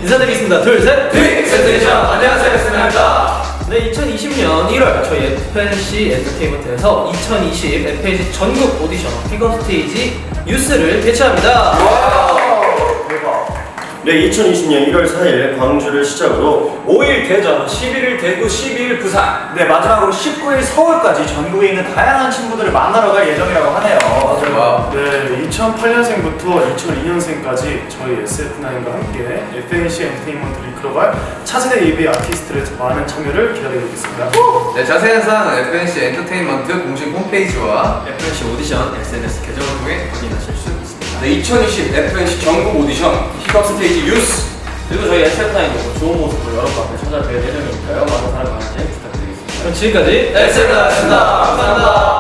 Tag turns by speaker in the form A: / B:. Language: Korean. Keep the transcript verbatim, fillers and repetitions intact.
A: 인사드리겠습니다. 둘, 셋!
B: 빅센테이션! 안녕하세요, 엑스맨입니다.
A: 네, 이천이십 년 일월 저희 에프엔씨 엔터테인먼트에서 이천이십 에프엔씨 전국 오디션 픽업 스테이지 뉴스를 개최합니다.
B: 대박.
C: 네, 이천이십 년 일월 사일 광주를 시작으로
B: 오일 대전, 십일일 대구, 십이일 부산.
D: 네, 마지막으로 십구일 서울까지 전국에 있는 다양한 친구들을 만나러 갈 예정이라고 하네요.
B: 와.
E: 네, 이천팔년생부터 이천이년생까지 저희 에스에프나인과 함께 에프엔씨 엔터테인먼트를 이끌어갈 차세대 예비 아티스트들의 많은 참여를 기다리고 있습니다.
B: 네, 자세한 사항은 에프엔씨 엔터테인먼트 공식 홈페이지와
A: 에프엔씨 오디션 에스엔에스 계정을 통해 확인하실 수 있습니다.
B: 네, 이천이십 에프엔씨 전국 오디션 픽업 스테이지 뉴스.
A: 그리고 저희 에스에프나인도 좋은 모습으로 여러분 앞에 찾아뵐 예정이니까요. 많은 사랑 많이 부탁드리겠습니다. 그럼 지금까지 엑스에프나인이었습니다. 감사합니다.